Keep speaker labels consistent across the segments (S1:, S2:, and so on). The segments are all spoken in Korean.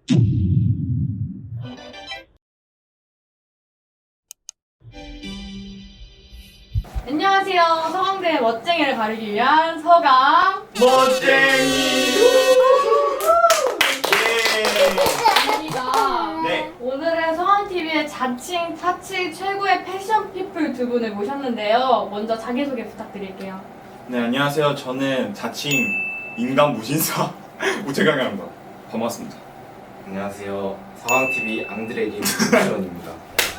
S1: 안녕하세요. 서강대의 멋쟁이를 가리기 위한 서강
S2: 멋쟁이.
S1: 입니다.
S2: 네.
S1: 오늘은 서강TV의 자칭 타치 최고의 패션 피플 두 분을 모셨는데요. 먼저 자기소개 부탁드릴게요.
S2: 네, 안녕하세요. 저는 자칭 인간 무신사 우체강입니다. 반갑습니다.
S3: 안녕하세요. 서강TV 앙드레긴 김시원입니다.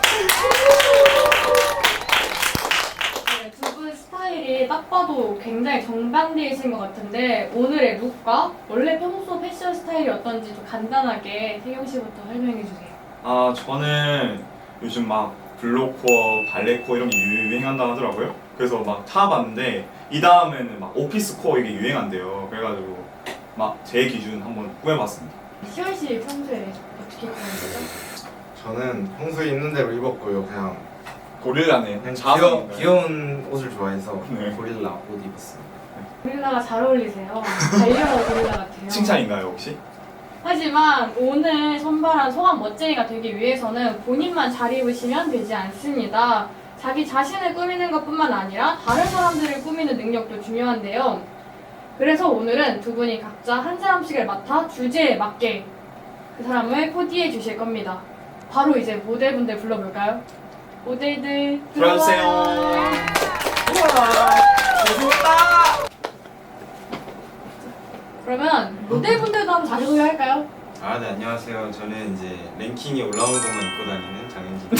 S1: 네, 두 분 스타일이 딱 봐도 굉장히 정반대이신 것 같은데 오늘의 룩과 원래 평소 패션 스타일이 어떤지 좀 간단하게 태경 씨부터 설명해 주세요.
S2: 아, 저는 요즘 막 블로코어, 발레코어 이런 게 유행한다 하더라고요. 그래서 막 타봤는데 이 다음에는 막 오피스코어 이게 유행한대요. 그래가지고 막 제 기준 한번 꾸며봤습니다.
S1: 시원 씨 평소에 어떻게 입는 거죠?
S3: 저는 평소에 입는 대로 입었고요. 그냥
S2: 고릴라네요.
S3: 귀여운 옷을 좋아해서
S2: 네.
S3: 고릴라 옷 입었습니다.
S1: 고릴라가 잘 어울리세요. 달려라 고릴라 같아요.
S2: 칭찬인가요 혹시?
S1: 하지만 오늘 선발한 소감 멋쟁이가 되기 위해서는 본인만 잘 입으시면 되지 않습니다. 자기 자신을 꾸미는 것뿐만 아니라 다른 사람들을 꾸미는 능력도 중요한데요. 그래서 오늘은 두 분이 각자 한 사람씩을 맡아 주제에 맞게 그 사람을 코디해 주실 겁니다. 바로 이제 모델분들 불러볼까요? 모델들
S2: 들어주세요. 우와, 좋다.
S1: 그러면 모델분들도 한번 자기소개 할까요?
S4: 아, 네, 안녕하세요. 저는 이제 랭킹이 올라온 것만 입고 다니는 장현진.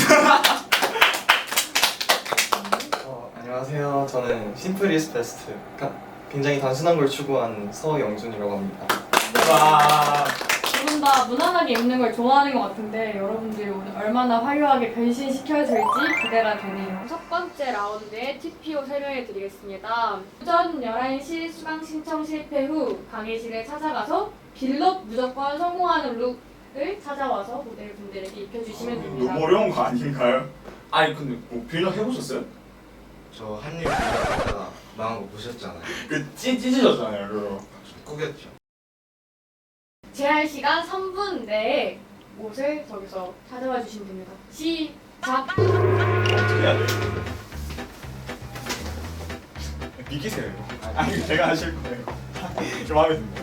S5: 안녕하세요. 저는 심플 이즈 베스트. 굉장히 단순한 걸 추구한 서영준이라고 합니다.
S2: 와.
S1: 두 분 다 무난하게 입는 걸 좋아하는 것 같은데 여러분들이 오늘 얼마나 화려하게 변신시켜줄지 기대가 되네요. 첫 번째 라운드의 TPO 설명해 드리겠습니다. 오전 11시 수강 신청 실패 후 강의실에 찾아가서 빌럿 무조건 성공하는 룩을 찾아와서 모델분들에게 입혀주시면 됩니다.
S2: 너무 어려운 거 아닌가요? 아니 근데 뭐 빌런 해보셨어요?
S3: 저 한일 비교하다가 망한 거 보셨잖아요.
S2: 그 찢어졌잖아요 그거.
S3: 꾸겼죠.
S1: 제한 시간 3분 내에 옷을 저기서 찾아와 주시면 됩니다. 시작!
S2: 어떻게 해야 돼? 믿기세요 이거. 아니 제가 하실 거예요. 좀 마음에 듭니다.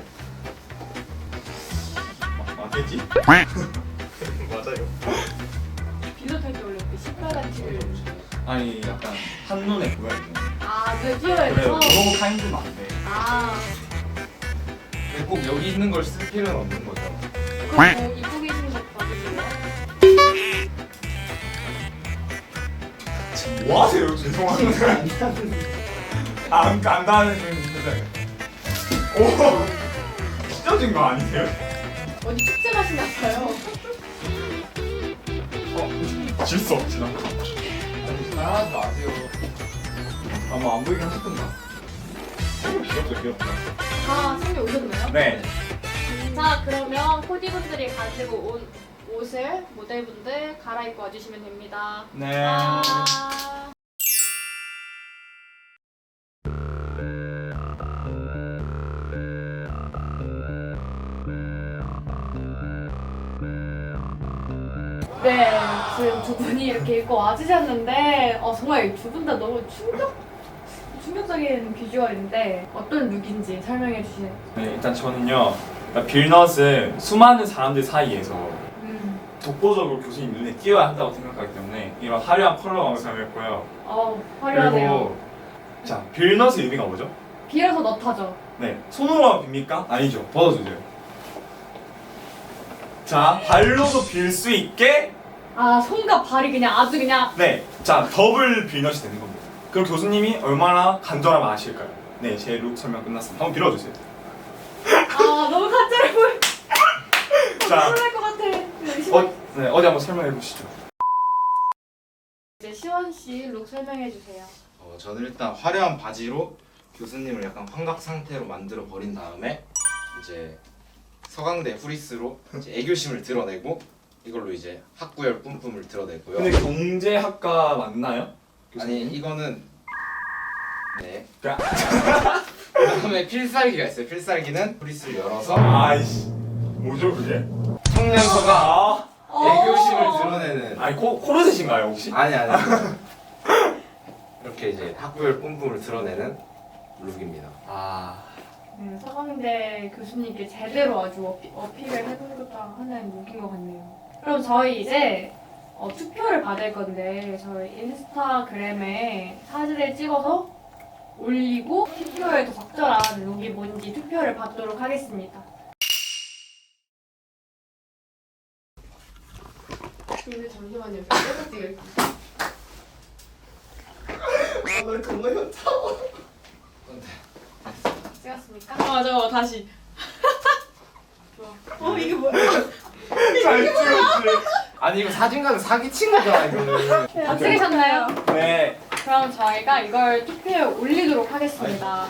S2: 맞겠지?
S3: 맞아요.
S1: 빌럿할 때 원래 그 신발같이
S2: 아니 약간 한눈에 보여야 돼.
S1: 눈에 띄어야
S2: 그래요.
S1: 돼서
S2: 너무 타임즈는 안 돼.
S3: 근데 꼭 여기 있는 걸 쓸 필요는 없는 거죠.
S1: 그럼 뭐 입고 계신 거 봐주세요.
S2: 뭐 하세요? 죄송한데. 안 간다는 그 표정. 오, 찢어진 거 아니세요?
S1: 어디 축제 가시나 봐요.
S2: 질 수 없지 나.
S3: 하지 마세요.
S2: 아마 안 보이긴 하셨던가. 귀엽다 귀엽다.
S1: 다 챙겨 오셨나요?
S2: 네.
S1: 자, 그러면 코디분들이 가지고 온 옷을 모델분들 갈아입고 와주시면 됩니다.
S2: 네.
S1: 네, 지금 두 분이 이렇게 입고 와주셨는데 정말 두 분 다 너무 충격적인 비주얼인데 어떤 룩인지 설명해 주세요.
S2: 네, 일단 저는요. 빌넛은 수많은 사람들 사이에서 독보적으로 교수님 눈에 띄어야 한다고 생각하기 때문에 이런 화려한 컬러감을 사용했고요.
S1: 화려하네요.
S2: 그리고 자, 빌넛의 의미가 뭐죠?
S1: 빌어서 넣다죠.
S2: 네, 손으로 빕니까? 아니죠. 벗어주세요. 자, 발로도 빌 수 있게
S1: 손과 발이 그냥 아주 그냥
S2: 네, 자, 더블 빌넛이 되는 겁니다. 그럼 교수님이 얼마나 간절하면 아실까요? 네, 제 룩 설명 끝났습니다. 한번 빌어주세요.
S1: 너무 간절해 보여.
S2: 자,
S1: 놀랄 것 같아.
S2: 네, 어디 한번 설명해 보시죠.
S1: 이제 시원 씨 룩 설명해 주세요.
S3: 저는 일단 화려한 바지로 교수님을 약간 환각 상태로 만들어 버린 다음에 이제 서강대 후리스로 이제 애교심을 드러내고 이걸로 이제 학구열 뿜뿜을 드러내고요.
S2: 근데 경제학과 맞나요?
S3: 아니 이거는 네.
S2: 야.
S3: 그다음에 필살기가 있어요. 필살기는 후리스를 열어서
S2: 아이씨, 뭐죠 그게?
S3: 성년서가
S2: 아,
S3: 애교심을 드러내는
S2: 아니 코르셋인가요 혹시?
S3: 아니 이렇게 이제 학구열 뿜뿜을 드러내는 룩입니다.
S2: 아,
S1: 네, 서강대 교수님께 제대로 아주 어필을 해보겠다 하는 룩인 것 같네요. 그럼 저희 이제 투표를 받을 건데 저희 인스타그램에 사진을 찍어서 올리고 투표에 더 적절한 룩이 뭔지 투표를 받도록 하겠습니다.
S6: 근데 잠시만요. 제가 찍을게요.
S5: 나 겁나 현타.
S1: 찍었습니까? 맞아, 다시. 좋아. 이게 뭐야?
S2: 잘 찍었지.
S3: 아니 이거 사진관은 사기친 거잖아 이거는.
S1: 다 찍으셨나요?
S2: 네.
S1: 그럼 저희가 이걸 투표에 올리도록 하겠습니다.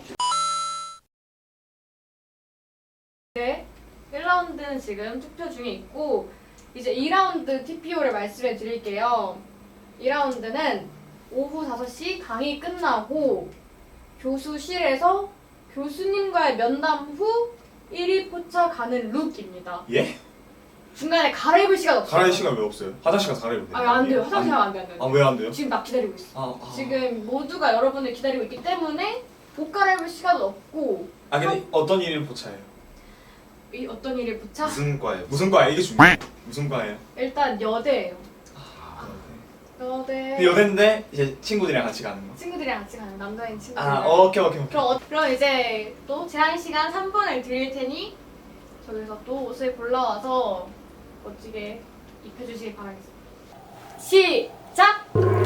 S1: 네, 1라운드는 지금 투표 중에 있고 이제 2라운드 TPO를 말씀해 드릴게요. 2라운드는 오후 5시 강의 끝나고 교수실에서 교수님과의 면담 후 1위 포차 가는 룩입니다.
S2: 예?
S1: 중간에 갈아입을 시간 없어요.
S2: 갈아입을 시간 왜 없어요? 화장실 가서 갈아입으면 돼요.
S1: 안 돼요. 화장실 가면 안 돼요.
S2: 아, 왜 안 돼요?
S1: 지금 나 기다리고 있어.
S2: 아.
S1: 지금 모두가 여러분을 기다리고 있기 때문에 옷 갈아입을 시간도 없고
S2: 아, 근데 어떤 일을 포차해요?
S1: 이 어떤 일을 붙여?
S3: 무슨 과예요?
S2: 무슨 과예요? 이게 중요해요. 무슨 과예요?
S1: 일단 여대예요. 여대.
S2: 근데 여대인데 이제 친구들이랑 같이 가는 거.
S1: 친구들이랑 같이 가는 남자인 친구들.
S2: 아, 오케이.
S1: 그럼 이제 또 제한 시간 3분을 드릴 테니 저기서 또 옷을 골라와서 멋지게 입혀주시길 바라겠습니다. 시작!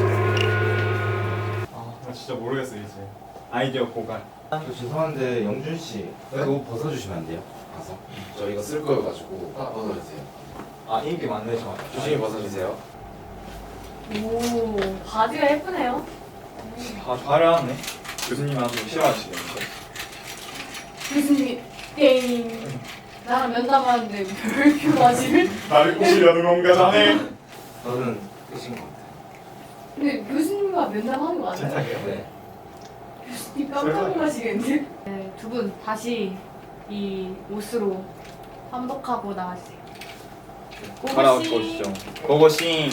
S2: 아, 나 진짜 모르겠어 이제. 아이디어 고갈.
S3: 저 죄송한데 영준 씨 그거 벗어주시면 안 돼요? 가서 저 이거 쓸 거여가지고 벗어주세요.
S2: 아, 인기 많네 저.
S3: 조심히 벗어주세요.
S1: 오, 바지가 예쁘네요.
S2: 아, 화려하네. 교수님 아주 싫어하시겠는데.
S1: 교수님이 땡. 나랑 면담하는데 별표 바지를?
S2: 나를 꼬시려는 건가 자네?
S3: 저는 끝인 것 같아요.
S1: 근데 교수님과 면담하는 거 맞아요?
S3: 네.
S1: 교수님 깜짝 놀라시겠는데? 네, 두 분 다시 이 옷으로 환복하고 나와주세요.
S2: 갈아입고 오시죠. 고고싱.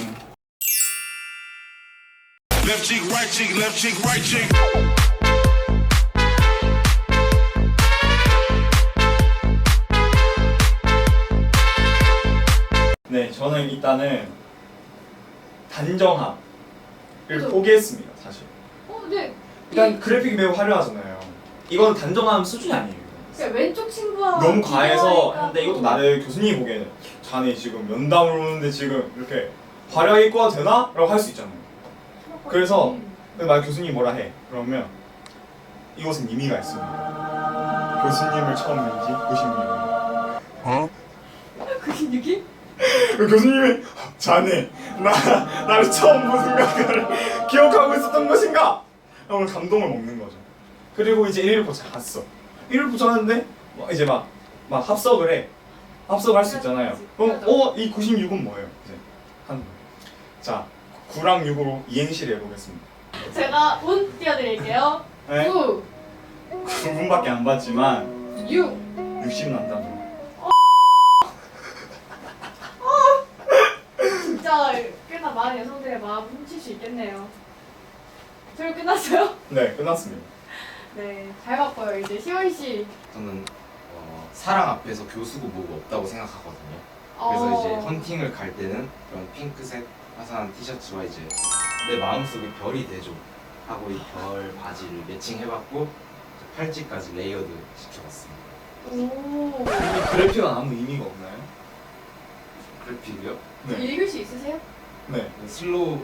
S7: Left cheek, right cheek, left cheek, right cheek.
S2: 네, 저는 일단은 단정함을
S1: 그죠?
S2: 포기했습니다, 사실.
S1: 근데
S2: 일단 그래픽이 매우 화려하잖아요. 이건 단정함 수준이 아니에요.
S1: 그냥 왼쪽 친구와
S2: 너무 과해서
S1: 비교하니까
S2: 근데 이것도
S1: 또
S2: 나를 교수님이 보기에는 자네 지금 면담을 오는데 지금 이렇게 화려하게 입고 와도 되나? 라고 할 수 있잖아요. 그래서 근데 만약 교수님이 뭐라 해 그러면 이것은 의미가 있습니다. 교수님을 처음 뵌지 96년.
S1: 96이?
S2: 교수님이 자네 나를 처음 본 순간을 기억하고 있었던 것인가? 오늘 감동을 먹는 거죠. 그리고 이제 1일 포차 갔어. 1일 포차 하는데 이제 막 합석을 해. 합석할 수 있잖아요. 그럼 이 96은 뭐예요? 이제 자 9랑 6으로 이행시를 해보겠습니다.
S1: 제가 운 띄워드릴게요.
S2: 네?
S1: 9,
S2: 9분밖에 안 봤지만
S1: 6.
S2: 60 난다.
S1: 진짜 꽤나 많은 여성들의 마음을 훔칠 수 있겠네요. 저희 끝났어요?
S2: 네, 끝났습니다.
S1: 네, 잘 봤고요. 이제 시원 씨.
S3: 저는 사랑 앞에서 교수고 뭐고 없다고 생각하거든요. 그래서 이제 헌팅을 갈 때는 그런 핑크색 화사한 티셔츠와 이제 내 마음속에 별이 되죠 하고 이 별 바지를 매칭해봤고 팔찌까지 레이어드 시켜봤습니다.
S1: 오.
S2: 이 그래픽은 아무 의미가 없나요?
S3: 그래픽이요?
S2: 네.
S1: 읽을 수 있으세요?
S2: 네.
S3: 슬로우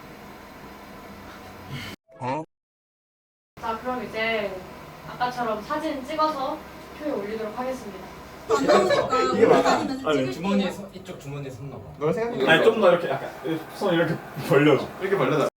S1: 자, 그럼 이제 아까처럼 사진 찍어서 표에 올리도록 하겠습니다.
S2: 이게 맞아.
S6: 아니,
S3: 주머니에 이쪽 주머니에 손 넣어.
S5: 너 생각해.
S2: 아니 좀 더 이렇게 약간 손 이렇게 벌려줘. 이렇게 벌려줘.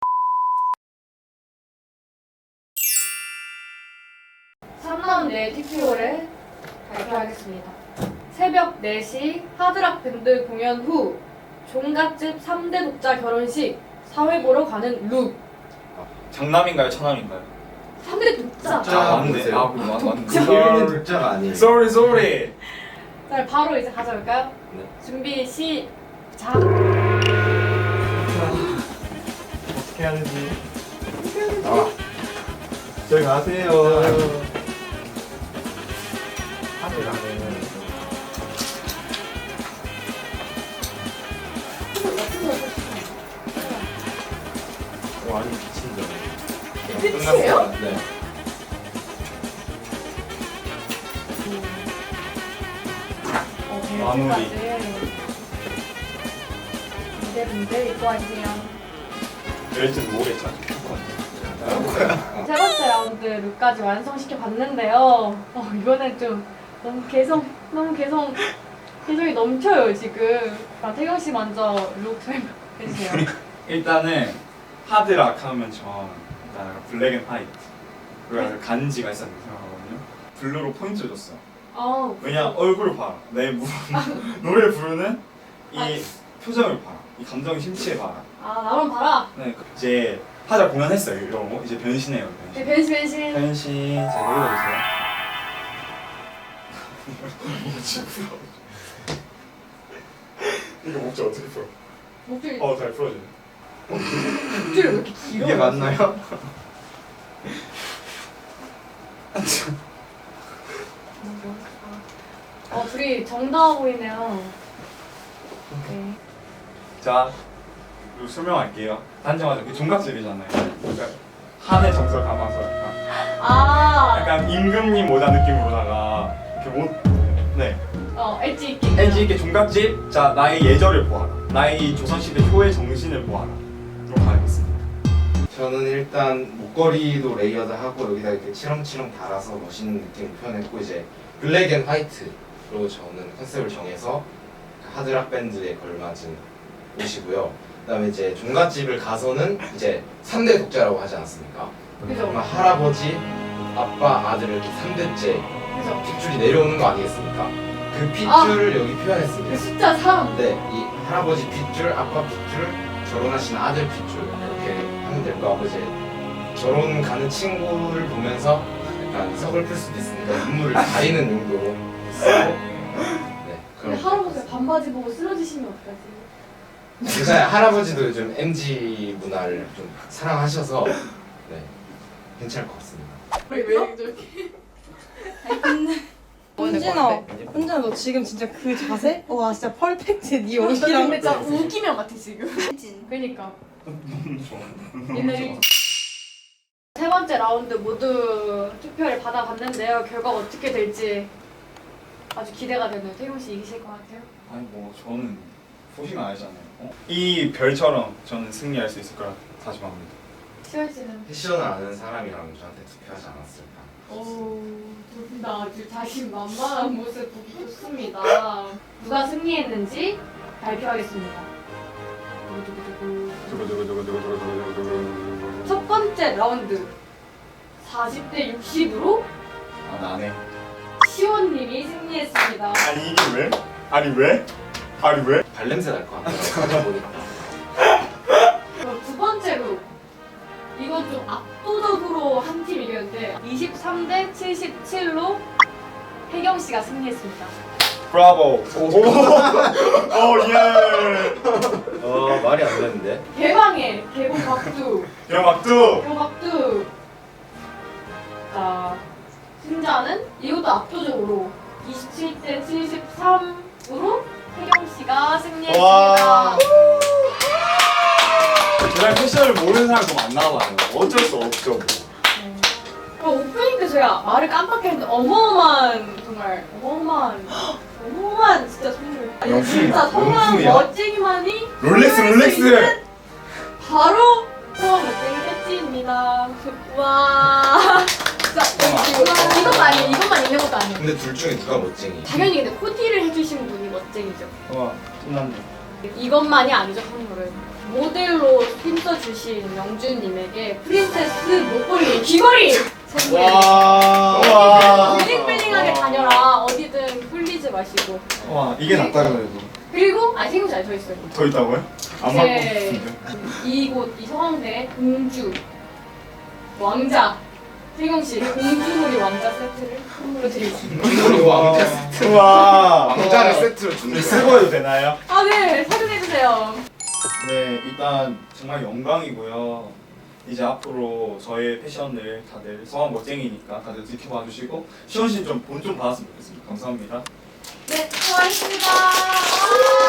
S1: 3라운드의 TPO를 발표하겠습니다. 새벽 4시 하드락 밴드 공연 후 종갓집 3대 독자 결혼식 사회 보러 가는 룩.
S2: 장남인가요, 차남인가요?
S1: 3대 독자.
S3: 자,
S2: 맞네.
S3: 보세요.
S2: 맞네.
S3: 독자가 아니에요.
S2: Sorry.
S1: 자, 바로 이제 가져올까요?
S3: 네.
S1: 준비 시작.
S2: 어떻게 해야 되지?
S3: 나와.
S2: 저기 가세요.
S3: 하드라는 완전 미친 점.
S6: 끝이에요?
S3: 네.
S2: 마무리.
S1: 문제 읽고 하세요.
S2: 될지도 모르겠죠.
S1: 세 번째 라운드 룩까지 완성시켜 봤는데요. 이거는 좀 너무 개성이 넘쳐요 지금. 태경 씨 먼저 룩 설명해 주세요.
S2: 일단은 하드락 하면 전 일단 블랙 앤 화이트 그리고 간지가 있었다고 생각하거든요. 블루로 포인트를 줬어요. 왜냐 얼굴을 봐라. 내 노래 부르는 이 표정을 봐라. 이 감정의 심취를 봐라.
S1: 나만 봐라.
S2: 네, 이제 하자 공연했어요. 이런 거 이제 변신해요. 변신.
S1: 변신.
S2: 변신. 자 읽어주세요. 이거 목줄 어떻게 풀어?
S1: 목줄
S2: 잘 풀어주네.
S1: 목줄이 왜 이렇게 길어?
S5: 이게 맞나요?
S1: 둘이 정다워 보이네요. 네.
S2: 자, 이거 설명할게요. 단정하죠. 그 종갓집이잖아요. 그러니까 한의 정서 담아서 약간 임금님 모자 느낌으로다가 이렇게 네.
S1: 엣지 있게.
S2: 엣지 있게 종갓집. 자, 나의 예절을 보아라. 나의 조선시대 효의 정신을 보아라. 이렇게 가야겠습니다.
S3: 저는 일단 목걸이도 레이어드하고 여기다 이렇게 치렁치렁 달아서 멋있는 느낌을 표현했고 이제 블랙 앤 화이트로 저는 컨셉을 정해서 하드락 밴드에 걸맞은 옷이고요. 그다음에 이제 종갓집을 가서는 이제 3대 독자라고 하지 않았습니까?
S1: 그죠.
S3: 아마 할아버지, 아빠, 아들 이렇게 3대째
S1: 그죠.
S3: 핏줄이 내려오는 거 아니겠습니까? 그 핏줄을 여기 표현했습니다.
S1: 그 숫자 3.
S3: 네, 이 할아버지 핏줄, 아빠 핏줄, 결혼하신 아들 pit줄 이렇게 하면 될 거 같고 이제 결혼 가는 친구를 보면서 약간 서글플 수도 있으니까 눈물을 가리는 용도로 쓰고 네,
S1: 근데
S3: 그럼
S1: 할아버지가 반바지 보고 쓰러지시면 어떡하지?
S3: 괜찮아요. 할아버지도 요즘 MG 문화를 좀 사랑하셔서 네, 괜찮을 것 같습니다.
S6: 왜 저렇게?
S8: 훈진아, 훈진아 너 지금 진짜 그 자세? 와 진짜 펄펙트 네
S1: 근데
S8: 옷이랑
S1: 진짜 우기면 같아 지금. 그러니까. 얘네 세 번째 라운드 모두 투표를 받아봤는데요. 결과가 어떻게 될지 아주 기대가 되네요. 태용 씨 이기실 것 같아요.
S2: 아니 뭐 저는 보시면 알잖아요. 이 별처럼 저는 승리할 수 있을 거라 다짐합니다.
S1: 시원 씨는
S3: 패션을 아는 사람이라면 저한테 투표하지 않았을까.
S1: 둘 다 아주 자신만만한 모습 보기 좋습니다. 누가 승리했는지 발표하겠습니다. 첫 번째 라운드 40대 60으로
S2: 나네.
S1: 시원님이 승리했습니다.
S2: 아니 이게 왜? 아니 왜?
S3: 발냄새 날 것 같아요. 사진 보니까.
S1: 그럼 두 번째로 이건 좀 압도적으로 한 팀 이겼는데 23대 77로 혜경 씨가 승리했습니다.
S2: 브라보. 오 예.
S3: 말이 안 되는데.
S1: 개방해 개봉 박두.
S2: 영악두.
S1: 개박두. 자 승자는 이것도 압도적으로 27대 73으로 혜경 씨가 승리했습니다.
S2: 와. 제가 패션을 모르는 사람 너무 안 나와요. 어쩔 수 없죠. 뭐.
S1: 오프닝 때 제가 말을 깜빡했는데 어마어마한 진짜 선물. 아니,
S3: 명품이야.
S1: 진짜 성한
S3: 명품이야.
S1: 멋쟁이만이
S2: 롤렉스 롤렉스.
S1: 바로 성한 멋쟁이 혜지입니다. 와. 진짜 이것만 있는 것도 아니에요.
S3: 근데 둘 중에 누가 멋쟁이?
S1: 당연히 근데 코디를 해주신 분이 멋쟁이죠.
S2: 와 끝났네.
S1: 이것만이 아니죠 선물은. 모델로 힘써주신 영준님에게 프린세스 목걸이 귀걸이 선물해드립니다.
S2: 와.
S1: 블링블링하게 다녀라. 어디든 흘리지 마시고.
S2: 와 이게 낫다 그래도.
S1: 그리고 생각 잘 더 있어요.
S2: 더 있다고요? 안 맞고 싶은데.
S1: 이곳 이 서강대 공주 왕자 태경 씨 공주놀이 왕자 세트를 선물로 드리겠습니다.
S3: 우리 왕자 세트.
S2: 우와.
S3: 왕자를 세트로 준대.
S2: 쓰고 해도 되나요?
S1: 아, 네, 사진해주세요.
S2: 네, 일단 정말 영광이고요. 이제 앞으로 저의 패션을 다들 소감 멋쟁이니까 다들 지켜봐 주시고 시원 씨좀 본 좀 받았으면 좋겠습니다. 감사합니다.
S1: 네, 수고하셨습니다.